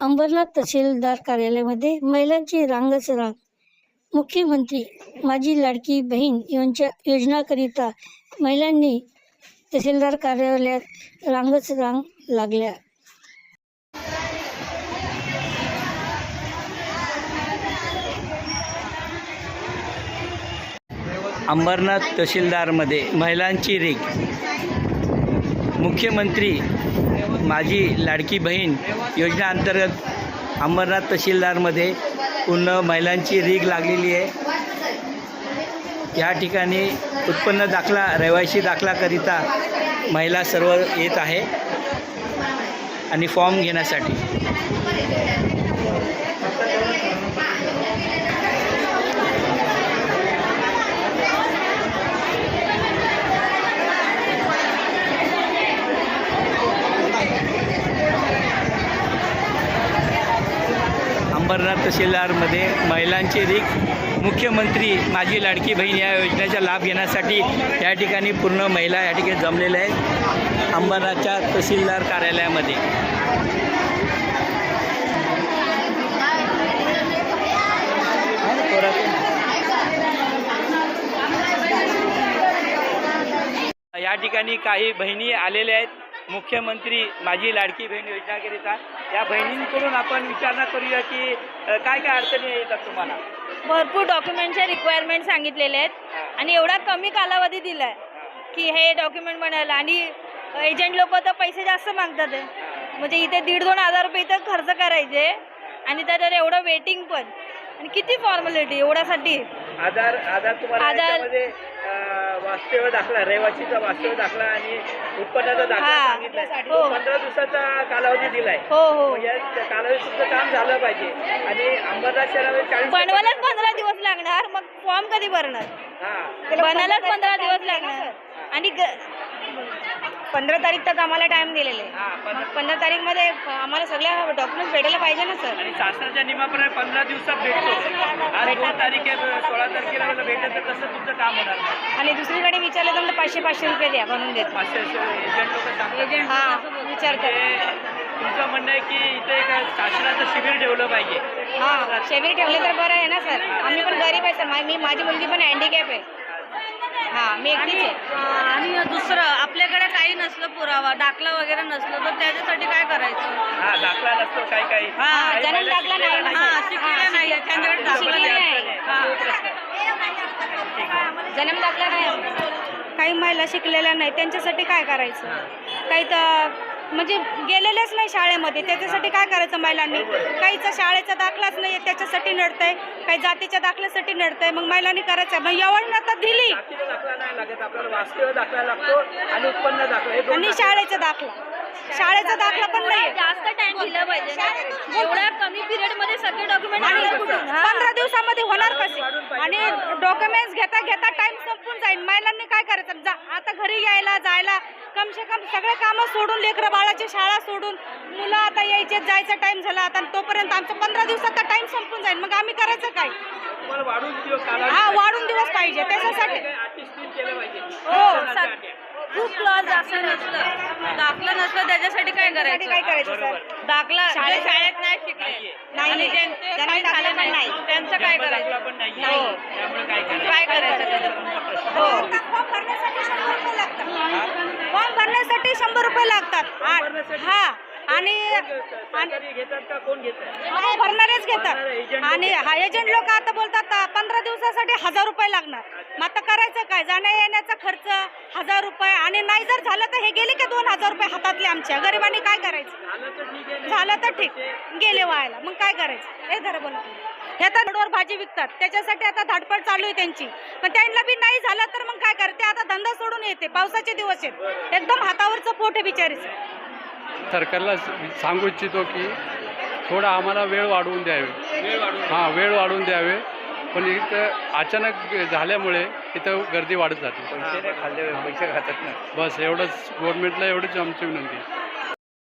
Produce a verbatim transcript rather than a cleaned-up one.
अंबरनाथ तहसीलदार कार्यालयामध्ये महिलांची रांगच रांग. मुख्यमंत्री माझी लाडकी बहीण यांच्या योजनाकरिता महिलांनी तहसीलदार कार्यालयात रांगच रांग लागल्या. अंबरनाथ तहसीलदारमध्ये महिलांची रीग. मुख्यमंत्री माझी लाडकी बहीण योजनेअंतर्गत अंबरनाथ तहसीलदारमध्ये पूर्ण महिलांची रीग लागलेली आहे. या ठिकाणी उत्पन्न दाखला रहिवासी दाखलाकरिता महिला सर्व येत आहे आणि फॉर्म घेण्यासाठी. अंबरनाथ तहसीलदारमध्ये महिलांची रीग. मुख्यमंत्री माझी लाडकी बहीण या योजनेचा लाभ घेण्यासाठी या ठिकाणी पूर्ण महिला या ठिकाणी जमलेल्या आहेत अंबरनाथच्या तहसीलदार कार्यालयामध्ये. या ठिकाणी काही बहिणी आलेल्या आहेत मुख्यमंत्री माझी लाडकी बहीण योजनेकरिता. या बहिणींकडून आपण विचारणा करूया की काय काय अडचणी येतात तुम्हाला. भरपूर डॉक्युमेंटचे रिक्वायरमेंट सांगितलेले आहेत आणि एवढा कमी कालावधी दिला आहे की हे डॉक्युमेंट बनायला, आणि एजंट लोक तर पैसे जास्त मागतात आहे. म्हणजे इथे दीड दोन हजार रुपये इथं खर्च करायचे आणि त्याच्यावर एवढं वेटिंग पण, आणि किती फॉर्मॅलिटी एवढ्यासाठी. आधार आधार तुम्हाला आधार- याच्यामध्ये, अं, वास्तव्य दाखला, रहिवासीचा वास्तव्य दाखला आणि उत्पन्नाचा दाखला हा. सांगितलाय. हो. पंधरा दिवसाचा कालावधी दिलाय. हो हो मग या कालावधीत तुमचं काम झालं पाहिजे आणि अंबरनाथ शहरामध्ये चाळीस बनवायलाच पंधरा दिवस लागणार, मग फॉर्म कधी भरणार. हा बनायलाच पंधरा दिवस लागणार आणि पंधरा तारीख तक आम्हाला टाइम दिलेले. हा पण- पंधरा तारीख मध्ये आम्हाला सगळ्या डॉक्युमेंट भेटायला पाहिजे ना सर. आणि शासनाच्या नियमाप्रमाणे पंधरा दिवसात भेटतो. आज दोन तारीख आहे, सोळा तारखेला मला भेटत तर तसं तुमचं काम होणार नाही. आणि दुसरीकडे विचारलं तर पाचशे पाचशे रुपये द्या बनवून देत. पाचशे एजंट लोक सांगतात. हा विचारतात. म्हणजे तुमचं म्हणणं आहे की इथे एक शासनाचं शिबिर ठेवलं पाहिजे. हा शिबिर ठेवले तर बरं आहे ना सर. आम्ही पण गरीब आहे सर. मा- मी माझी मुलगी पण हँडिकॅप आहे. हा मी एकटीच आहे. आणि दुसरं आपल्याकडे काही नसलं, पुरावा दाखला वगैरे नसलं तर त्याच्यासाठी काय करायचं. हा दाखला नसतो काही काही हा, काही जन्म महिला दाखला शिकलेल्या नाही. नाही. हा शिकलेल्या नाही, त्यांच्याकडे दाखला शिकलेल्या नाही. नाही. हा. तो प्रश्न. जन्म दाखला नाही. काही महिला शिकलेल्या नाही, त्यांच्यासाठी काय करायचं. काही तर म्हणजे गेलेलेच नाही शाळेमध्ये, त्याच्यासाठी काय करायचं महिलांनी. काहीचा शाळेचा दाखलाच नाही त्याच्यासाठी नडतंय, काही जातीच्या दाखल्यासाठी नडतंय. मग महिलांनी करायचं. मग एवढं तर दिली जातीचा दाखला नाही लागत, आपल्याला वास्तव्य दाखला लागतो आणि उत्पन्न दाखला हे दोन आणि दाखले. शाळेचा दाखला शाळेचा दाखला पण नाही. जास्त टाइम दिला पाहिजे. एवढ्या कमी पिरियड मध्ये सगळे डॉक्युमेंट आणि कुठून. पंधरा दिवसामध्ये होणार कसे. आणि डॉक्युमेंट्स घेता घेता टाइम संपून जाईल. महिलांनी काय करायचं. जा आता घरी यायला जायला कम से कम सगळे कामं सोडून, लेकरं बाळाची शाळा सोडून, मुलं आता यायचे जायचा टाइम झाला आता, तोपर्यंत आमचा पंधरा दिवसाचा टाइम संपून जाईल. मग आम्ही करायचं काय. तुम्हाला वाढून दिवस कालावधी हा पाहिजे. वाढून दिवस पाहिजे त्याच्यासाठी. काही अटी स्थिर केल्या पाहिजे. हो, शासनाच्या सग- अटी. खूप क्लॉज असं नसलं, दाखला नसलं त्याच्यासाठी काय त्याच्यासाठी काय करायचं. करायचं सर. दाखला जे शाळेत- शाळेत नाही शिकले नाही. आणि ज्यांचे जन्म काही दाखला झालं पण नाही नाही. त्यांचं काय जन्म दाखला करायचं. पण नाही. नाही. त्यामुळे काय करायचं. काय करायचं त्याच्यात. हो. फॉर्म भरण्यासाठी शंभर रुपये लागतात. फॉर्म भरण्यासाठी शंभर रुपये लागतात. आ- हा आणि सरकारी घेतात का कोण घेतात. हो, भरणारेच घेतात. एजंट आणि हा एजंट लोक आता बोलतात पंधरा दिवसासाठी हजार रुपये लागणार. मग आता करायचं काय. जाण्या येण्याचा खर्च हजार रुपये, आणि नाही जर झालं तर हे गेले की दोन हजार रुपये हातातले आमच्या गरिबांनी काय करायचं. झालं तर ठीक आहे. झालं तर ठीक, गेले व्हायला मग काय करायचं. हे धर बोल हे तर रोडवर भाजी विकतात, त्याच्यासाठी आता धाडपड चालू आहे त्यांची. पण त्यांना बी नाही झालं तर मग काय करते. आता धंदा सोडून येते. पावसाचे दिवस आहेत, एकदम हातावरचं पोट आहे बिचारीचं. सरकारला सांगू इच्छितो की थोडा आम्हाला वेळ वाढवून द्यावे. वेळ वाढून हां वेळ वाढवून द्यावे. पण इथं अचानक झाल्यामुळे इथं गर्दी वाढत जाते. पैसे नाही खाल्ले, पैसे खातात ना. बस एवढंच गव्हर्नमेंटला एवढंच आमची विनंती आहे.